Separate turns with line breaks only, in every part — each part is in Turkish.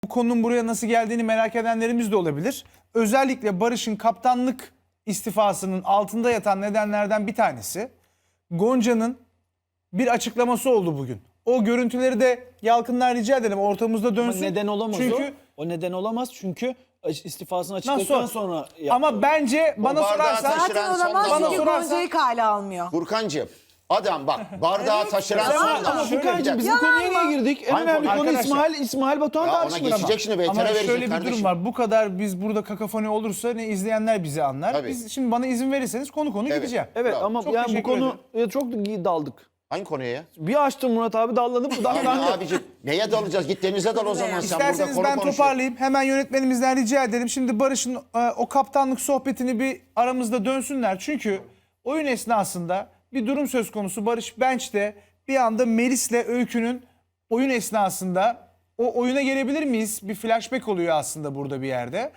Bu konunun buraya nasıl geldiğini merak edenlerimiz de olabilir. Özellikle Barış'ın kaptanlık istifasının altında yatan nedenlerden bir tanesi Gonca'nın bir açıklaması oldu bugün. O görüntüleri de Yalkın'dan rica edelim ortamızda dönsün.
Ama neden olamaz
çünkü
o. O neden olamaz çünkü istifasını açıkladıktan sonra yaptı.
Ama bence bana sorarsan
Zaten olamaz
bana
çünkü
sorarsan-
Gonca'yı kale almıyor.
Furkancığım adam bak bardağı taşıran
Ama
sonda.
Ama
şöyle
Furkan'cığım biz bu
Yalan
konuya
mı?
niye girdik? En
Hangi
önemli
konu?
konu
Arkadaşlar.
İsmail Batuhan
Ya ona
tartışmaları.
geçecek şimdi VTR
Ama
verecek
şöyle bir
kardeşim.
durum var. Bu kadar biz burada kakafoni olursa ne izleyenler bizi anlar.
Tabii.
Biz şimdi bana izin verirseniz konu
Evet.
gideceğim.
Evet
Bravo.
ama
Çok
yani bu
teşekkür
konu çok daldık.
Hangi konuya ya?
Bir açtım Murat abi dallanıp
Yani
dallandı.
abicim neye dalacağız? Git denize dal o zaman sen burada
İsterseniz
konu
ben
konuşuyorsun.
toparlayayım. Hemen yönetmenimizden rica edelim. Şimdi Barış'ın o kaptanlık sohbetini bir aramızda dönsünler. Çünkü oyun esnasında bir durum söz konusu. Barış bench'te bir anda Melis'le Öykü'nün oyun esnasında o oyuna gelebilir miyiz? Bir flashback oluyor aslında burada bir yerde.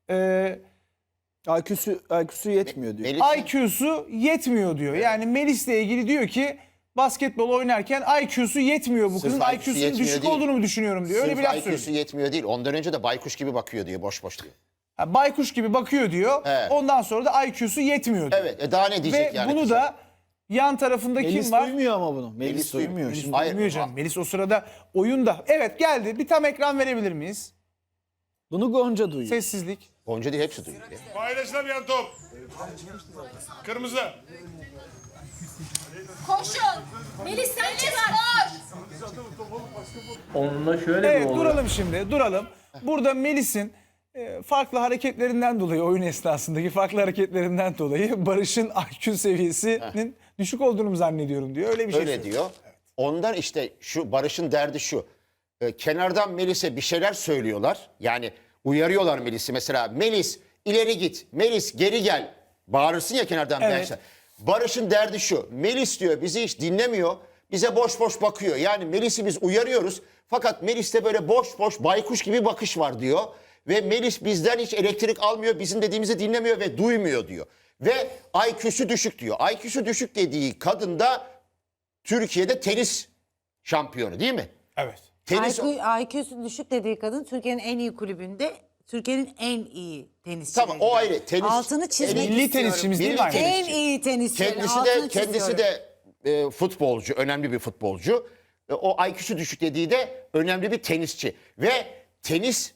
IQ'su yetmiyor diyor.
Melis-
IQ'su yetmiyor diyor. Yani Melis'le ilgili diyor ki basketbol oynarken IQ'su yetmiyor bu
Sırf
kızın.
IQ'su
IQ'sunun
yetmiyor
düşük
değil.
olduğunu mu düşünüyorum diyor. Öyle bir laf
Sırf
söylüyor.
IQ'su yetmiyor değil. Ondan önce de baykuş gibi bakıyor diyor. Boş boş diyor.
Ha, baykuş gibi bakıyor diyor.
Evet.
Ondan sonra da IQ'su yetmiyor diyor.
Evet daha ne diyecek
Ve
yani?
bunu
kıza?
da yan tarafında
Melis
kim var?
duymuyor ama bunu. Melis
Melis
duymuyor.
duymuyor.
Şimdi
Hayır.
Duymuyor canım. Melis o sırada oyunda. Evet geldi. Bir tam ekran verebilir miyiz?
bunu Gonca duyuyor.
Sessizlik.
Gonca değil hepsi duyuyor. ya.
Paylaşılamayan top. Kırmızı.
Koşun. Melis sen çıkar.
Onunla şöyle bir
Evet
olay.
duralım şimdi. Duralım. Burada Melis'in farklı hareketlerinden dolayı oyun esnasındaki farklı hareketlerinden dolayı Barış'ın IQ seviyesinin düşük olduğunu mu zannediyorum diyor. Öyle bir şey
Öyle
söylüyor.
diyor. Ondan işte şu Barış'ın derdi şu. Kenardan Melis'e bir şeyler söylüyorlar. Yani uyarıyorlar Melis'i. Mesela Melis ileri git. Melis geri gel. Bağırırsın ya kenardan
Evet.
bench'ten. Barış'ın derdi şu. Melis diyor bizi hiç dinlemiyor. Bize boş boş bakıyor. Yani Melis'i biz uyarıyoruz. Fakat Melis'te böyle boş boş baykuş gibi bakış var diyor. Ve Melis bizden hiç elektrik almıyor. Bizim dediğimizi dinlemiyor ve duymuyor diyor. Ve IQ'su düşük diyor. IQ'su düşük dediği kadın da Türkiye'de tenis şampiyonu değil mi?
Evet.
Tenis
IQ'su düşük dediği kadın Türkiye'nin en iyi kulübünde Türkiye'nin en iyi tenisçisi.
tamam o ayrı. Tenis
Altını çizmek
Milli
istiyorum.
tenisçimiz değil mi?
Milli
aynı?
tenis.
En iyi tenisçi.
kendisi de futbolcu, önemli bir futbolcu. O IQ'su düşük dediği de önemli bir tenisçi ve tenis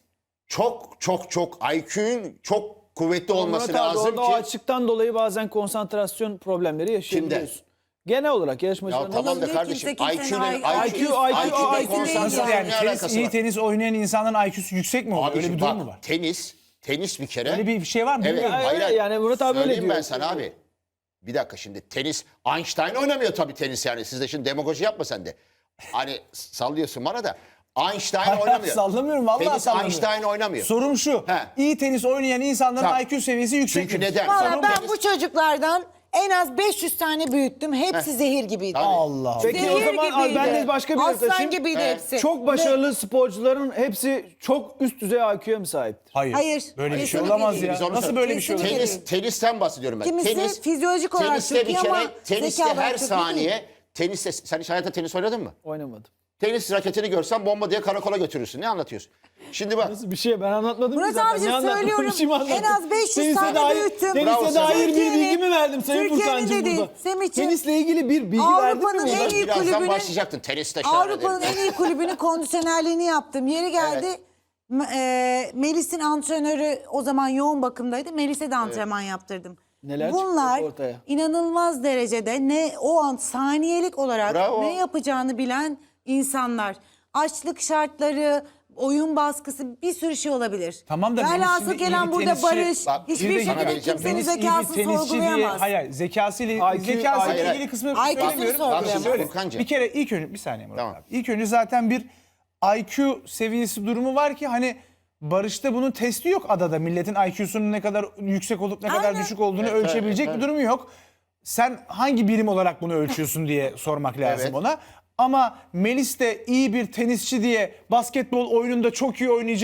çok IQ'nun çok kuvvetli olması
Murat abi
lazım
orada o
ki.
açıktan dolayı bazen konsantrasyon problemleri yaşayabiliyorsun. Genel olarak
Ya
yarışmacıların
tamam da
Olabilir,
kardeşim
kimse kimsenin
IQ'yle konsantrasyon
Nasıl
ne
yani?
alakası
İyi
var?
tenis oynayan insanın IQ'su yüksek mi oluyor? Öyle
Abiciğim
bir durum
bak,
mu var?
tenis bir kere.
Öyle bir şey var mı?
Evet,
Bilmiyorum.
Hayır, yani Murat abi öyle
Söyleyeyim
diyor.
ben sana abi. Bir dakika şimdi tenis, Einstein oynamıyor tabii tenis yani. Siz de şimdi demagoji yapma sen de. Hani sallıyorsun bana da. Einstein oynamıyor.
Sallamıyorum, vallahi
Tenis
sallamıyorum.
Einstein oynamıyor.
Sorum şu.
He.
İyi tenis oynayan insanların
Tamam.
IQ seviyesi yüksek.
Çünkü
mi?
neden?
Valla
Sorum
ben
tenis-
bu çocuklardan en az 500 tane büyüttüm. Hepsi zehir gibiydi.
Tabii.
Allah Allah.
Peki o
Zehir
zaman abi
gibiydi.
ben de başka bir yere
Aslan
taşıyayım.
gibiydi hepsi.
Çok başarılı sporcuların hepsi çok üst düzey IQ'ya mi sahiptir?
Hayır.
Hayır.
Böyle bir şey
Kesinlikle
olamaz
değil.
ya.
Biz onu
Nasıl
söyle-
böyle bir şey
Kesinlikle
olabilir?
Tenisten bahsediyorum ben.
Kimisi fizyolojik olarak
teniste
çok
bir
iyi ama
kere, teniste
zeka olarak
her
çok iyi
saniye,
değil.
teniste, sen hiç hayatta tenis oynadın mı?
Oynamadım.
Tenis raketini görsen bomba diye karakola götürürsün. Ne anlatıyorsun? Şimdi bak.
Nasıl bir şey ben anlatmadım ki
Murat
zaten.
abicim
Ne anlattım?
söylüyorum,
Bir şey mi anlattım?
en az 500
Tenise
tane
dair-
büyüttüm.
Bravo
Tenise
sana.
dair bir
Türkiye'nin-
bilgi mi verdim Sayın
Türkiye'nin
Furkan'cığım
dediği,
burada?
Semih'ciğim,
Tenisle ilgili bir bilgi verdim mi?
Avrupa'nın
burada?
en iyi
Birazdan
kulübünün-
başlayacaktın. Teniste şahane
Avrupa'nın
derim.
en iyi kulübünün kondisyonerliğini yaptım. Yeri geldi. Melis'in antrenörü o zaman yoğun bakımdaydı. Melis'e de antrenman yaptırdım.
Neler
Bunlar
çıktı ortaya?
inanılmaz derecede ne o an saniyelik olarak
Bravo.
ne yapacağını bilen insanlar. Açlık şartları, oyun baskısı bir sürü şey olabilir.
Tamam da Melis
Velhasıl
şimdi iyi
gelen
bir
burada
tenisçi-
Barış
Bak,
hiçbir
bir de sana
şekilde
vereceğim.
kimsenin
Melis iyi bir
zekasını
tenisçi diye,
sorgulayamaz.
hayır zekasıyla
IQ
zekasıyla
hayır,
ilgili kısmı
IQ'sunu
söylemiyorum.
sorgulayamaz.
Bak şimdi
Şöyle,
Furkancığım.
bir kere ilk önce bir saniye Murat
Tamam.
abi. İlk önce zaten bir IQ seviyesi durumu var ki hani Barış'ta bunun testi yok adada. Milletin IQ'sunun ne kadar yüksek olup ne kadar
Aynen.
düşük olduğunu ölçebilecek bir durumu yok. Sen hangi birim olarak bunu ölçüyorsun diye sormak lazım
Evet.
ona. Ama Melis de iyi bir tenisçi diye basketbol oyununda çok iyi oynayacak.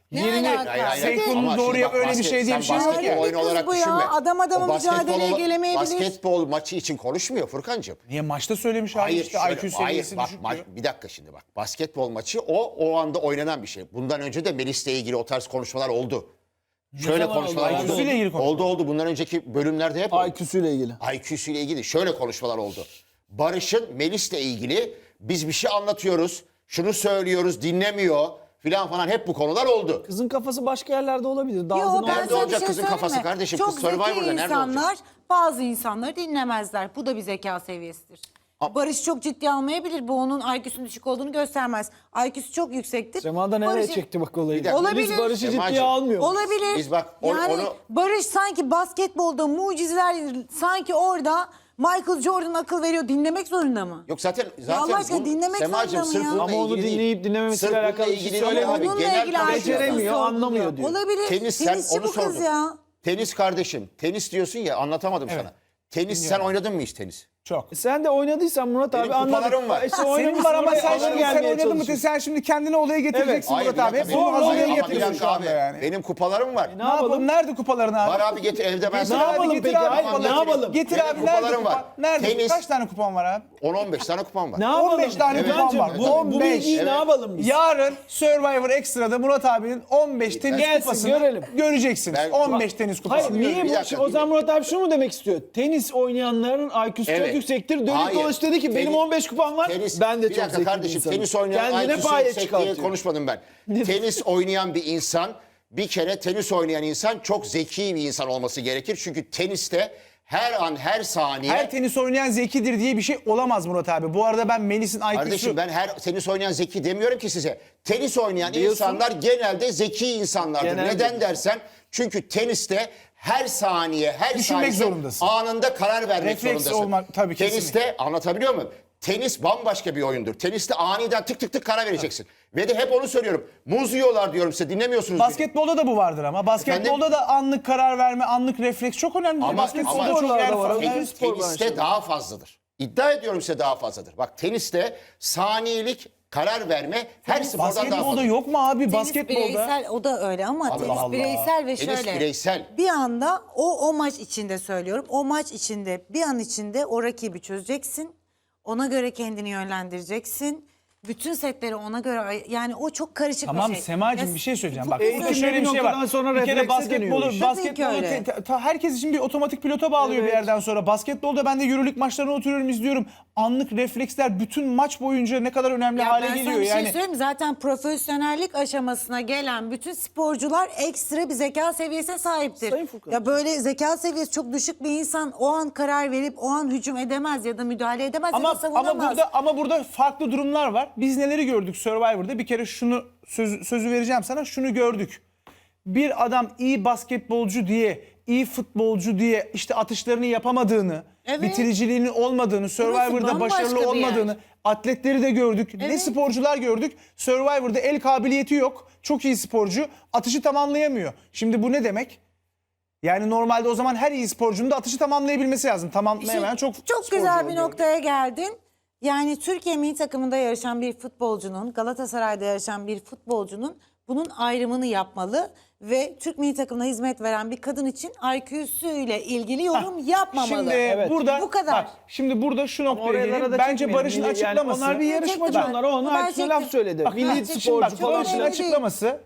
yerini
alaka?
senkronunu
Ama
doğru
şimdi
yap
bak,
öyle bir şey diye bir şey yok
basketbol
ki.
oyunu
Kız
olarak
bu ya.
düşünme.
Adam adama
O basketbol-
mücadeleye gelemeyebilir.
Basketbol maçı için konuşmuyor Furkancığım.
Niye maçta söylemiş abi
Hayır,
işte
şöyle,
IQ
hayır
seviyesi
bak,
düşük diyor.
bir dakika şimdi bak. Basketbol maçı o anda oynanan bir şey. Bundan önce de Melis'le ilgili o tarz konuşmalar oldu. Şöyle
zaman
konuşmalar
oldu?
oldu.
IQ'suyla ilgili konuşmalar.
Oldu. Bundan önceki bölümlerde hep oldu.
IQ'suyla ilgili.
IQ'suyla ilgili şöyle konuşmalar oldu. Barış'ın Melis'le ilgili biz bir şey anlatıyoruz, şunu söylüyoruz, dinlemiyor filan falan hep bu konular oldu.
Kızın kafası başka yerlerde olabilir.
Yo,
Dağıldı
ben
Nerede
sana bir
olacak
şey
kızın
söyleyeyim
kafası
mi?
kardeşim?
Çok
Kız Survivor'da
zeki
nerede
insanlar
olacak?
bazı insanları dinlemezler. Bu da bir zeka seviyesidir. Barış çok ciddi almayabilir. Bu onun IQ'sunun düşük olduğunu göstermez. IQ'su çok yüksektir.
Sema da nereye
Barış'ı-
çekti bak olayı.
dakika.
Olabilir.
Melis Barış'ı ciddiye
Semacığım,
almıyor.
Olabilir.
Biz bak
yani
onu
Barış sanki basketbolda mucizeler sanki orada Michael Jordan akıl veriyor. Dinlemek zorunda mı?
yok zaten
Allah aşkına dinlemek
Semacığım,
zorunda mı
sırf
ya?
bununla
Ama onu
ilgili değil.
dinleyip dinlememesiyle
Sırf bununla
alakalı bir şey
ilgili değil
söylemiyor.
abi.
Onunla
Genel
ilgili
konuşuyoruz.
Beceremiyor,
IQ'su
anlamıyor
sorguluyor.
diyor.
Olabilir.
Tenis sen
Tenisçi
onu
bu kız
sordun.
ya.
Tenis kardeşim. Tenis diyorsun ya anlatamadım sana. Tenis sen oynadın mı hiç tenis?
Çok.
Sen de oynadıysan Murat
Benim
abi anladık.
kupalarım var.
İşte
Senin
oynamışsın,
var ama
oraya
sen
alır
şimdi
gelmeye
oynadın mı?
çalışıyorsun.
Sen şimdi kendini olaya getireceksin
Hayır,
Murat abi.
bir dakika,
Bunu
benim-
olaya
ama bir
getiriyorsun
dakika
şu anda
abi.
yani.
Benim kupalarım var.
Ne yapalım? Nerede kupaların abi?
Var abi getir evde ben
Getir
Ne
sana.
abi,
yapalım
getir
peki?
abi
Hayır,
kupaları.
ne yapalım?
Getir
Benim
abi nerede
kupalarım
kupa?
var.
Nerede?
Tenis.
Kaç tane kupon var abi?
10-15 tane kupam var.
Ne yapalım?
15 tane
Evet.
kupon var.
Bu,
Bu
bu bilgiyi ne yapalım biz?
Yarın Survivor Extra'da Murat abinin 15 tenis
Gelsin,
kupasını
görelim.
göreceksiniz.
Ben-
15 tenis kupası.
Hayır niye
Bir
bu?
dakika,
O zaman Murat abi şunu mu demek istiyor? Tenis oynayanların IQ'su
Evet.
çok yüksektir. Dönüp
Hayır.
dolaşıp dedi ki benim
Tenis-
15 kupam var. Ben de
bir
çok
dakika
zeki bir
kardeşim
insanım.
tenis oynayan
Kendine
IQ'su
paye
yüksek diye
çıkartıyor.
konuşmadım ben. Tenis oynayan bir insan bir kere tenis oynayan insan çok zeki bir insan olması gerekir. Çünkü teniste her an her saniye
Her tenis oynayan zekidir diye bir şey olamaz Murat abi. Bu arada ben Melis'in IQ'su...
kardeşim ben her tenis oynayan zeki demiyorum ki size. Tenis oynayan
Diyorsun.
insanlar genelde zeki insanlardır.
Genelde.
Neden dersen çünkü teniste her saniye, her
Düşünmek
saniye
zorundasın.
anında karar vermek
Refleks
zorundasın.
olmak- tabii,
Teniste anlatabiliyor muyum? Tenis bambaşka bir oyundur. Teniste aniden tık tık tık karar vereceksin. Ve de hep onu söylüyorum. Muz yiyorlar diyorum size dinlemiyorsunuz beni.
Basketbolda da bu vardır ama. Basketbolda da anlık karar verme, anlık refleks çok önemli. Basketbolda
ama-
çok
sporlarda
yer
var.
farkı.
Her spor
Teniste
branşı.
daha fazladır. İddia ediyorum size daha fazladır. Bak teniste saniyelik karar verme her spordan daha
Basketbolda
fazla.
yok mu abi?
Tenis
Basketbolda.
bireysel o da öyle ama tenis
Allah.
bireysel ve
Tenis
şöyle.
bireysel.
Bir anda o maç içinde söylüyorum. O maç içinde bir an içinde o rakibi çözeceksin. Ona göre kendini yönlendireceksin. Bütün setleri ona göre yani o çok karışık
Tamam
bir şey.
Semacığım
Ya,
bir şey söyleyeceğim. Bak
Eğitimlerin
burada şöyle bir şey var.
noktadan sonra
Bir kere
reflekse dönüyor
basketbolu,
iş.
basketbolu
Tabii ki öyle.
herkes için bir otomatik pilota bağlıyor bir yerden sonra. Basketbolda ben de yürürlük maçlarına oturuyorum izliyorum. Anlık refleksler bütün maç boyunca ne kadar önemli
Ya
hale
ben
geliyor
sana bir şey
yani.
söyleyeyim mi? Zaten profesyonellik aşamasına gelen bütün sporcular ekstra bir zeka seviyesine sahiptir.
Sayın Furkan.
Ya böyle zeka seviyesi çok düşük bir insan o an karar verip o an hücum edemez ya da müdahale edemez ya da savunamaz.
Ama burada farklı durumlar var. Biz neleri gördük Survivor'da? Bir kere şunu sözü vereceğim sana. Şunu gördük. Bir adam iyi basketbolcu diye, iyi futbolcu diye işte atışlarını yapamadığını,
Evet.
bitiriciliğinin olmadığını, Survivor'da
bambaşka
başarılı
bir yer.
olmadığını, atletleri de gördük. Ne
Evet.
sporcular gördük. Survivor'da el kabiliyeti yok. Çok iyi sporcu. Atışı tamamlayamıyor. Şimdi bu ne demek? Yani normalde o zaman her iyi sporcunun da atışı tamamlayabilmesi lazım. Tamamlayamayan çok sporcu
güzel bir
oluyor.
noktaya geldin. Yani Türkiye milli takımında yarışan bir futbolcunun, Galatasaray'da yarışan bir futbolcunun bunun ayrımını yapmalı ve Türk milli takımına hizmet veren bir kadın için IQ'su ile ilgili yorum yapmamalı.
Şimdi burada
Bu kadar.
Bak, şimdi burada şu noktaya
Oralara
geleyim.
da
Bence
çekmeyelim.
Barış'ın
Yani
açıklaması.
onlar bir yarışmacı
Çektim
onlar.
ben.
Onun
Ben
IQ'suna laf
çektim.
söyledi.
Bak,
Milli
şimdi
sporcu
bak,
falan.
Barış'ın
Öyle değil.
açıklaması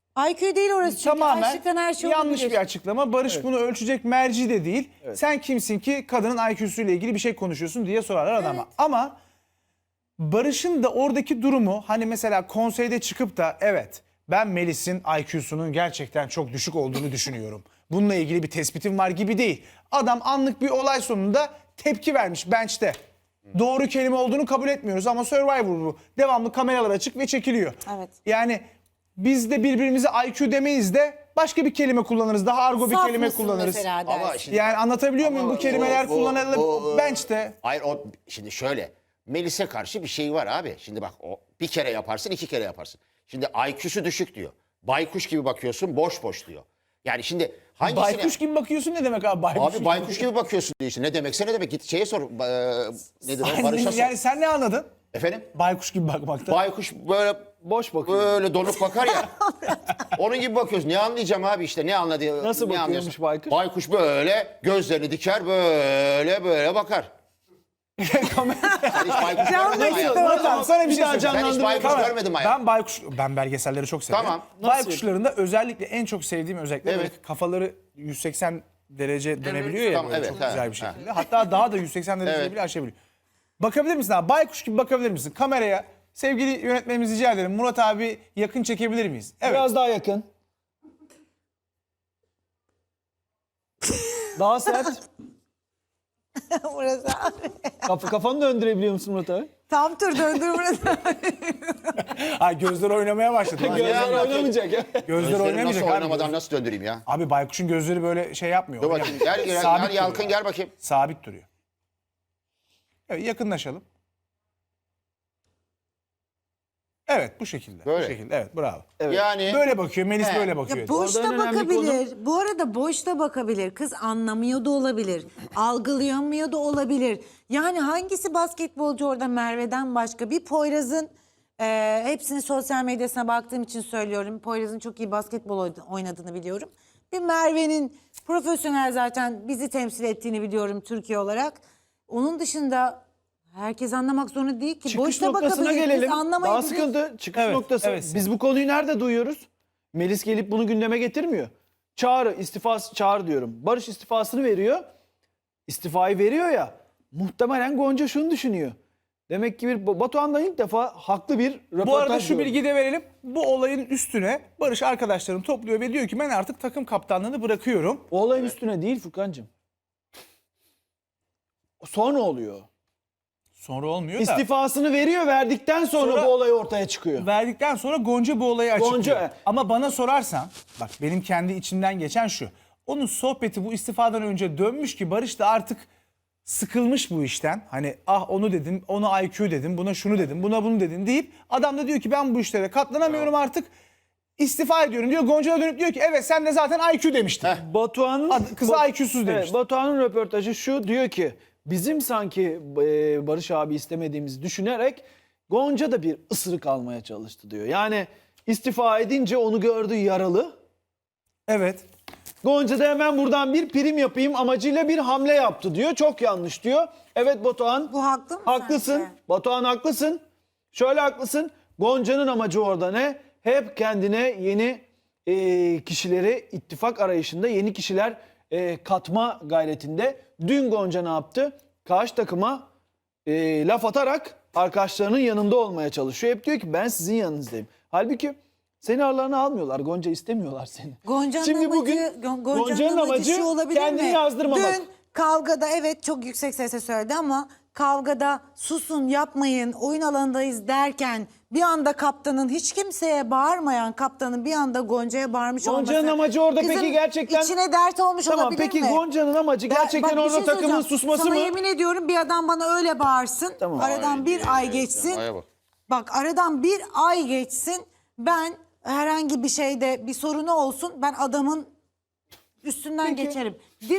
IQ değil orası çünkü
tamamen
gerçekten her şey
yanlış
olabilir.
bir açıklama. Barış bunu ölçecek merci de değil. Sen kimsin ki kadının IQ'suyla ilgili bir şey konuşuyorsun diye sorarlar adama. Ama Barış'ın da oradaki durumu hani mesela konseyde çıkıp da evet ben Melis'in IQ'sunun gerçekten çok düşük olduğunu düşünüyorum. Bununla ilgili bir tespitim var gibi değil. Adam anlık bir olay sonunda tepki vermiş bench'te. Doğru kelime olduğunu kabul etmiyoruz ama Survivor bu. Devamlı kameralar açık ve çekiliyor.
Evet.
Yani biz de birbirimize IQ demeyiz de başka bir kelime kullanırız. Daha argo bir
Saf
kelime
mısın
kullanırız.
mesela
Ama
dersin.
şimdi
Yani anlatabiliyor muyum? Bu kelimeler kullanılır bench'te.
Hayır o şimdi şöyle. Melis'e karşı bir şey var abi. Şimdi bak o bir kere yaparsın, iki kere yaparsın. Şimdi IQ'su düşük diyor. Baykuş gibi bakıyorsun, boş boş diyor. Yani şimdi hangisine...
Baykuş gibi bakıyorsun ne demek abi baykuş?
Abi baykuş gibi bakıyorsun diyor işte. Ne demekse ne demek? Git şeye sor. Nedir o?
Sen,
Barış'a sor.
yani sen ne anladın?
Efendim?
Baykuş gibi bakmakta.
Baykuş böyle
boş bakıyor.
Böyle donuk bakar ya. Onun gibi bakıyoruz. Ne anlayacağım abi işte ne anladı?
Nasıl
ne
bakıyormuş
anlıyorsun?
baykuş?
Baykuş böyle gözlerini diker böyle bakar. Sen hiç baykuş görmedin mi hayatında?
Murat abi sana bir şey
daha
söyleyeyim.
Ben hiç baykuş
Tamam.
görmedim hayatımda.
Ben belgeselleri çok severim.
Tamam.
Baykuşların da özellikle en çok sevdiğim özellikle
Evet.
böyle kafaları 180 derece dönebiliyor ya
Tamam,
böyle
evet,
çok
ha,
güzel bir
ha.
şekilde. Hatta daha da 180 derece
Evet.
bile aşabiliyor. Bakabilir misin abi? Baykuş gibi bakabilir misin? Kameraya sevgili yönetmenimiz rica ederim. Murat abi yakın çekebilir miyiz? Evet.
Biraz daha yakın. Daha sert.
Burası abi.
Kafanı döndürebiliyor musun Murat abi?
Tam tur döndür burası.
Ay gözler oynamaya başladı.
Gözler
anlatıyor?
oynamayacak ya.
Gözler
Gözlerim
oynamayacak
nasıl
abi.
oynamadan nasıl döndüreyim ya?
Abi baykuşun gözleri böyle şey yapmıyor.
Dur bakayım gel
Sabit
Yalkın
duruyor.
gel bakayım.
Sabit duruyor. Evet, yakınlaşalım. Evet bu şekilde.
Böyle.
Bu şekilde. Evet bravo.
Yani
Böyle bakıyor. Melis
He.
böyle bakıyor.
Ya boşta
Orada en önemli
bakabilir. Bu arada boşta bakabilir. Kız anlamıyor da olabilir. Algılayamıyor da olabilir. Yani hangisi basketbolcu orada Merve'den başka? Bir Poyraz'ın hepsini sosyal medyasına baktığım için söylüyorum. Poyraz'ın çok iyi basketbol oynadığını biliyorum. Bir Merve'nin profesyonel zaten bizi temsil ettiğini biliyorum Türkiye olarak. Onun dışında herkes anlamak zorunda değil ki.
Çıkış
Boşta
noktasına
bakabilir.
gelelim.
Biz
Daha
anlamayabiliriz.
sıkıntı çıkış
Evet,
noktası.
evet.
Biz bu konuyu nerede duyuyoruz? Melis gelip bunu gündeme getirmiyor. Çağrı istifası, Çağrı diyorum. Barış istifasını veriyor. İstifayı veriyor ya. Muhtemelen Gonca şunu düşünüyor. Demek ki bir Batuhan'dan ilk defa haklı bir röportaj
Bu arada şu
gördüm.
bilgiyi de verelim. Bu olayın üstüne Barış arkadaşlarını topluyor ve diyor ki ben artık takım kaptanlığını bırakıyorum.
O olayın üstüne değil Furkan'cığım. Sonra oluyor.
Sonra olmuyor da.
İstifasını veriyor, verdikten sonra
Sonra-
bu olay ortaya çıkıyor.
Verdikten sonra Gonca bu olayı açıklıyor.
Gonca-
Ama bana sorarsan bak benim kendi içimden geçen şu. Onun sohbeti bu istifadan önce dönmüş ki Barış da artık sıkılmış bu işten. Hani ah onu dedim, ona IQ dedim, buna şunu dedim, buna bunu dedim deyip adam da diyor ki ben bu işlere katlanamıyorum artık. İstifa ediyorum diyor. Gonca da dönüp diyor ki evet sen de zaten IQ demiştin.
Batuhan'ın
Kızı IQ'suz demiş.
Evet, Batuhan'ın röportajı şu, diyor ki bizim sanki Barış abi istemediğimizi düşünerek Gonca da bir ısırık almaya çalıştı diyor. Yani istifa edince onu gördü yaralı.
Evet.
Gonca da hemen buradan bir prim yapayım amacıyla bir hamle yaptı diyor. Çok yanlış diyor. Evet Batuhan.
Bu haklı mı
Haklısın.
sence?
Batuhan haklısın. Şöyle haklısın. Gonca'nın amacı orada ne? Hep kendine yeni kişileri ittifak arayışında yeni kişiler katma gayretinde. Dün Gonca ne yaptı? Karşı takıma laf atarak arkadaşlarının yanında olmaya çalışıyor. Hep diyor ki ben sizin yanınızdayım. Halbuki seni aralarına almıyorlar. Gonca istemiyorlar seni.
Gonca'nın
Şimdi
amacı,
bugün
Gonca'nın amacı şu olabilir
kendini
mi?
yazdırmamak.
Dün kavgada evet çok yüksek sesle söyledi ama kavgada susun yapmayın oyun alanındayız derken bir anda kaptanın hiç kimseye bağırmayan kaptanın bir anda Gonca'ya bağırmış olması.
Gonca'nın amacı orada
kızın
peki gerçekten...
içine dert olmuş
Tamam
olabilir
peki
mi?
Gonca'nın amacı
Ben-
gerçekten
bak bir
orada
şey
takımın
söyleyeceğim.
susması
Sana
mı?
yemin ediyorum bir adam bana öyle bağırsın.
Tamam.
Aradan bir ay geçsin.
Aya bak.
Bak aradan bir ay geçsin. Ben herhangi bir şeyde bir sorunu olsun. Ben adamın üstünden geçerim.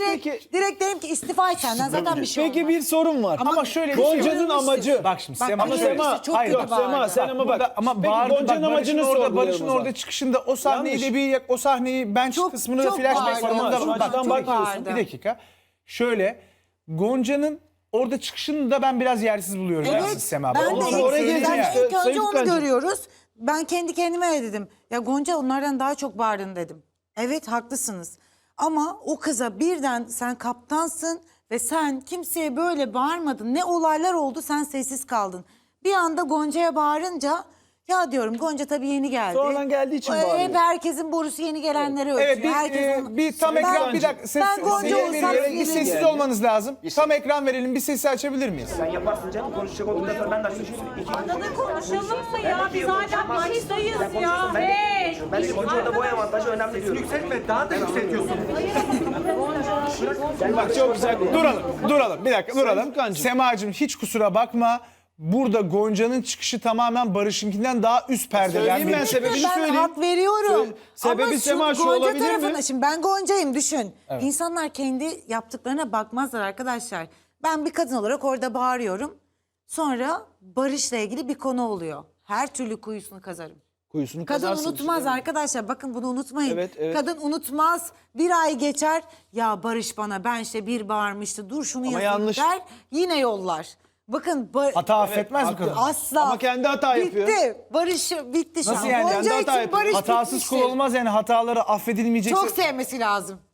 Direkt derim ki istifa et senden zaten bir şey
Peki
olmaz.
bir sorun var.
Ama şöyle bir şey var.
Gonca'nın amacı...
Bak şimdi
Bak,
Sema
ama
şöyle.
Sema çok
Hayır,
kötü
bak,
bağırdı.
Sema sen ama bak.
Burada- ama
Peki
bağırdı,
Gonca'nın
bak,
amacını
Barış'ın
sorgulayalım o
orada
zaman.
çıkışında o sahneyi
Yanlış.
de bir o sahneyi ben
Çok-
kısmını da
çok
flashback
bağırdı.
var.
Şu
Bak,
açıdan
çok
bakıyorsun.
bağırdı.
bir dakika. Şöyle Gonca'nın orada çıkışını da ben biraz yersiz buluyorum.
Evet,
Yersiz Sema.
ben
Onu
de
sana
oraya
söyleyeyim
geleceğim
ya.
işte.
ilk önce
Sayın
onu
Furkancığım.
görüyoruz. Ben kendi kendime öyle dedim. Ya Gonca onlardan daha çok bağırdın dedim. Evet haklısınız. Ama o kıza birden sen kaptansın ve sen kimseye böyle bağırmadın. Ne olaylar oldu sen sessiz kaldın. Bir anda Gonca'ya bağırınca ya diyorum Gonca tabii yeni geldi.
Sonradan geldiği için bağırıyor.
Hep herkesin borusu yeni gelenlere ötüyor.
Evet bir tam
Ben-
ekran bir dakika
ben Gonca
seyir
olsam
veriyorum. Bir
sinirlenir.
sessiz olmanız lazım. Tam ekran verelim bir sesi açabilir miyiz?
Sen yaparsın canım konuşacak olduktan sonra ben de açmışım.
Adada konuşalım mı ya? Biz hala baştayız ya. Hey!
Ben de Gonca'da boy avantajı önemli diyorum. Yükseltme daha da yükseltiyorsun.
Bak çok güzel.
Duralım. Bir dakika duralım.
Furkancığım.
Semacığım hiç kusura bakma. Burada Gonca'nın çıkışı tamamen Barış'ınkinden daha üst perdeden.
Söyleyeyim ben
bir
sebebini
Ben
söyleyeyim.
hak veriyorum.
Sebebi
Ama
Sema şu
Gonca
olabilir mi?
tarafına, şimdi ben Gonca'yım düşün. İnsanlar kendi yaptıklarına bakmazlar arkadaşlar. Ben bir kadın olarak orada bağırıyorum. Sonra Barış'la ilgili bir konu oluyor. her türlü kuyusunu kazarım.
Kuyusunu
Kadın
kazarsın
unutmaz
işte.
arkadaşlar. Bakın bunu unutmayın.
Evet, evet.
Kadın unutmaz. Bir ay geçer. Ya Barış bana ben işte bir bağırmıştı. Dur şunu
Ama
yazayım
yanlış.
der. Yine yollar. Bakın
Hata affetmez mi kadın?
asla.
Ama kendi hata yapıyor.
Bitti. Barış bitti şu
Nasıl
an.
yani?
Gonca
Kendi hata
için
yapıyor.
Barış
Hatasız kul
bitmiştir.
olmaz yani hataları affedilmeyecekse.
Çok sevmesi lazım.